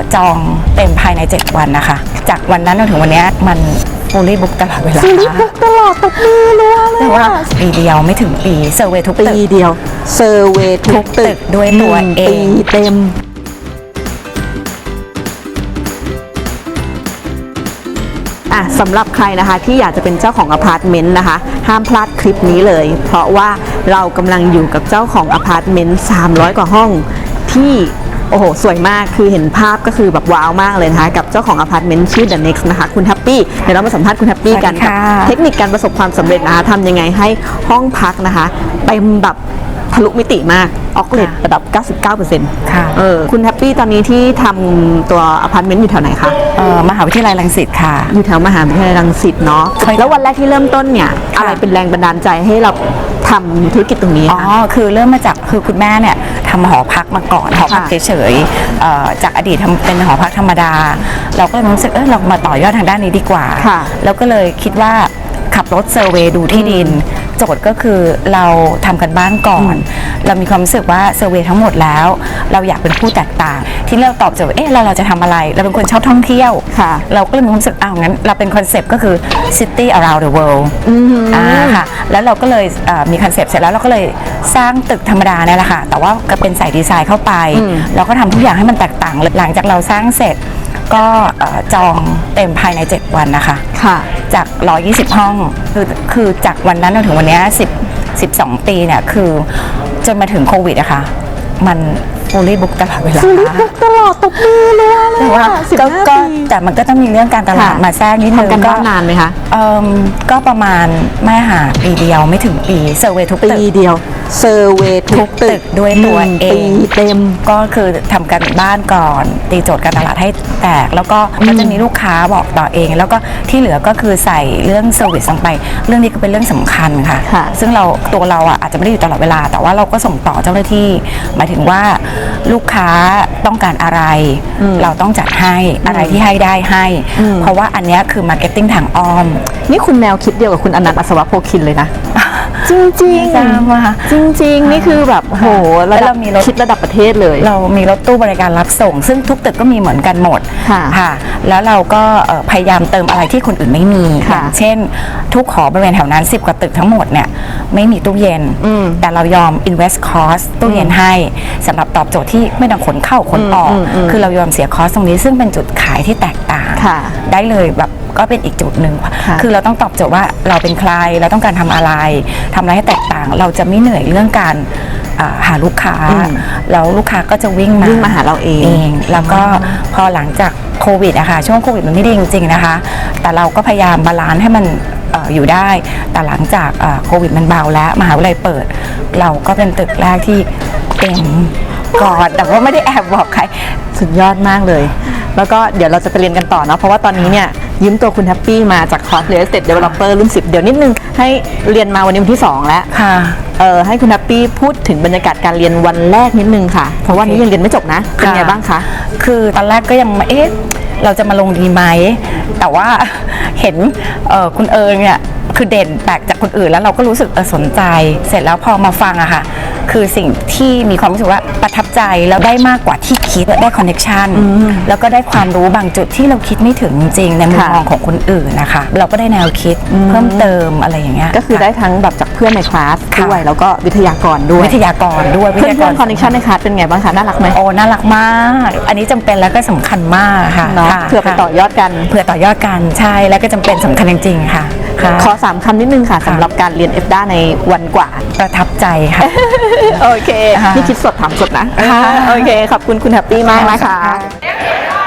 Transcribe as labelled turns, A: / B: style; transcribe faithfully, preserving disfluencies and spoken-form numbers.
A: จองเต็มภายในเจ็ดวันนะคะจากวันนั้นจนถึงวันนี้มันฟูลลี่บุ๊กตลอดเวลา
B: ฟูลลี่บุ๊กตลอดตบมือเลยแต่ว่า
A: ปีเดียวไม่ถึงปีเซอร์เวย์ทุกตึก
B: ปีเดียวเซอร์เวย์ทุกตึก
A: ด้วยตัวเอง
B: ปีเต็มอ่ะสำหรับใครนะคะที่อยากจะเป็นเจ้าของอพาร์ตเมนต์นะคะห้ามพลาดคลิปนี้เลยเพราะว่าเรากำลังอยู่กับเจ้าของอพาร์ตเมนต์สามร้อยกว่าห้องที่โอ้โหสวยมากคือเห็นภาพก็คือแบบว้าวมากเลยนะคะกับเจ้าของอพาร์ตเมนต์ชื่อ The Next นะคะคุณแฮปปี้เดี๋ยวเรามาสัมภาษณ์คุณแฮปปี้กันกับเทคนิคการประสบความสำเร็จนะคะทำยังไงให้ห้องพักนะคะเต็มแบบทะลุมิติมากออกเลทระดับ เก้าสิบเก้าเปอร์เซ็นต์
A: ค่ะ
B: เออคุณแฮปปี้ตอนนี้ที่ทำตัวอพาร์ตเมนต์อยู่แถวไหนคะ
A: เอ่อมหาวิทยาลัยรังสิตค่ะ
B: อยู่แถวมหาวิทยาลัยรังสิตเนาะแล้ววันแรกที่เริ่มต้นเนี่ยอะไรเป็นแรงบันดาลใจให้เราทำธุรกิจตรงนี้
A: อ๋อคือเริ่มมาจากคือคุณแม่เนี่ยทำหอพักมาก่อนหอพักเฉยๆจากอดีตทำเป็นหอพักธรรมดาเราก็เลยรู้สึกเออเรามาต่อยอดทางด้านนี้ดีกว่าแล้วก็เลยคิดว่าขับรถเซอร์เวย์ดูที่ดินโจทย์ก็คือเราทำกันบ้านก่อนเรามีความรู้สึกว่าเซอร์เวย์ทั้งหมดแล้วเราอยากเป็นผู้แตกต่างที่เราตอบโจทย์เอ๊ะเราเราจะทำอะไรเราเป็นคนชอบท่องเที่ยวเราก็เลยมีความรู้สึกอ้าวงั้นเราเป็นคอนเซปต์ก็คือ city around the world อ่าค่ะแล้วเราก็เลยมีคอนเซปต์เสร็จแล้วเราก็เลยสร้างตึกธรรมดาเนี่ยแหละค่ะแต่ว่าก็เป็นใส่ดีไซน์เข้าไปเราก็ทำทุกอย่างให้มันแตกต่างหลังจากเราสร้างเสร็จก็จองเต็มภายในเจ็ดวันนะคะ
B: ค่ะ
A: จากหนึ่งร้อยยี่สิบห้องคือคือจากวันนั้นจนถึงวันนี้สิบ สิบสองปีเนี่ยคือจนมาถึงโควิดอะค่ะมันฟูลลี่บุ๊กตลอดเวลา
B: ฟูลลี่บุ๊กตลอดตบมือเลย
A: แต่ว่าก็แต่มันก็ต้องมีเรื่องการตลาดมาแทรกนิดนึง
B: ก็นานไหมคะ
A: เอ่อก็ประมาณไม่หาปีเดียวไม่ถึงปีเซอร์เวย์ทุกตึก
B: ปีเดียวเซอร์เวย์ทุกตึก
A: ด้วยตัวเอง
B: ปีเต็ม
A: ก็คือทำกันบ้านก่อนตีโจทย์การตลาดให้แตกแล้วก็ก็จะมีลูกค้าบอกต่อเองแล้วก็ที่เหลือก็คือใส่เรื่องเซอร์วิสลงไปเรื่องนี้ก็เป็นเรื่องสำคัญค่ะซึ่งเราตัวเราอ่ะอาจจะไม่ได้อยู่ตลอดเวลาแต่ว่าเราก็ส่งต่อเจ้าหน้าที่หมายถึงว่าลูกค้าต้องการอะไรเราต้องจัดให้อะไรที่ให้ได้ให้เพราะว่าอันนี้คือมาร์เก็ตติ้งทางอ้อม
B: นี่คุณแมวคิดเดียวกับคุณอนันต์อัศวโพคินเลยนะจริงจริงจริงจริงนี่คือแบบโหแล้วเรามีรถคิดระดับประเทศเลย
A: เรามีรถตู้บริการรับส่งซึ่งทุกตึกก็มีเหมือนกันหมดค่ะแล้วเราก็พยายามเติมอะไรที่คนอื่นไม่มีอย่างเช่นทุกหอบริเวณแถวนั้นสิบกว่าตึกทั้งหมดเนี่ยไม่มีตู้เย็นแต่เรายอม invest cost ตู้เย็นให้สำหรับตอบโจทย์ที่ไม่ต้องขนเข้าขนออกคือเรายอมเสียคอสตรงนี้ซึ่งเป็นจุดขายที่แตกต่างได้เลยแบบก็เป็นอีกจุดหนึ่งคือเราต้องตอบโจทย์ว่าเราเป็นใครเราต้องการทำอะไรทำอะไรให้แตกต่างเราจะไม่เหนื่อยเรื่องการหาลูกค้าแล้วลูกค้าก็จะวิ่งมา
B: วิ่งมาหาเราเอง
A: แล้วก็พอหลังจากโควิดอะค่ะช่วงโควิดมันไม่ดีจริงๆนะคะแต่เราก็พยายามบาลานซ์ให้มันอยู่ได้แต่หลังจากโควิดมันเบาแล้วมหาวิทยาลัยเปิดเราก็เป็นตึกแรกที่เต็มก่อนแต่ว่าไม่ได้แอบบอกใคร
B: สุดยอดมากเลยแล้วก็เดี๋ยวเราจะไปเรียนกันต่อเนาะเพราะว่าตอนนี้เนี่ยยืมตัวคุณแฮปปี้มาจากคอร์ส Real Estate Developer รุ่นสิบเดี๋ยวนิดนึงให้เรียนมาวันนี้วันที่สองแล้ว
A: ค่ะ
B: เออให้คุณแฮปปี้พูดถึงบรรยากาศการเรียนวันแรกนิดนึงค่ะเพราะว่านี้ยังเรียนไม่จบนะเป็นไงบ้างคะ
A: คือตอนแรกก็ยังเอ๊ะเราจะมาลงดีไหมแต่ว่าเห็นคุณเอิงเนี่ยคือเด่นแปลกจากคนอื่นแล้วเราก็รู้สึกสนใจเสร็จแล้วพอมาฟังอะค่ะคือสิ่งที่มีความรู้สึกว่าประทับใจแล้วได้มากกว่าที่คิดได้คอนเนคชั่นแล้วก็ได้ความรู้บางจุดที่เราคิดไม่ถึงจริงในมุมมองของคนอื่นนะคะเราก็ได้แนวคิดเพิ่มเติมอะไรอย่างเงี้ย
B: ก็คือได้ทั้งแบบจากเพื่อนในคลาสด้วยแล้วก็วิทยากรด้วย
A: วิทยากรด้วย
B: เพื่อนเพื่อนคอนเนคชั่นในคลาสเป็นไงบ้างคะน่ารักไหม
A: โอ้น่ารักมากอันนี้จำเป็นแล้วก็สำคัญมากค่ะ
B: เพื่อไปต่อยอดกัน
A: เพื่อต่อยอดกันใช่แล้วก็จำเป็นสำคัญจริงๆค่ะ
B: ขอสามคำนิดนึงค่ะสำหรับการเรียนเอฟด้าในวันกว่า
A: ประทับใจค่ะ
B: โอเคนี่คิดสดถามสดนะโอเคขอบคุณคุณแฮปปี้มากนะคะ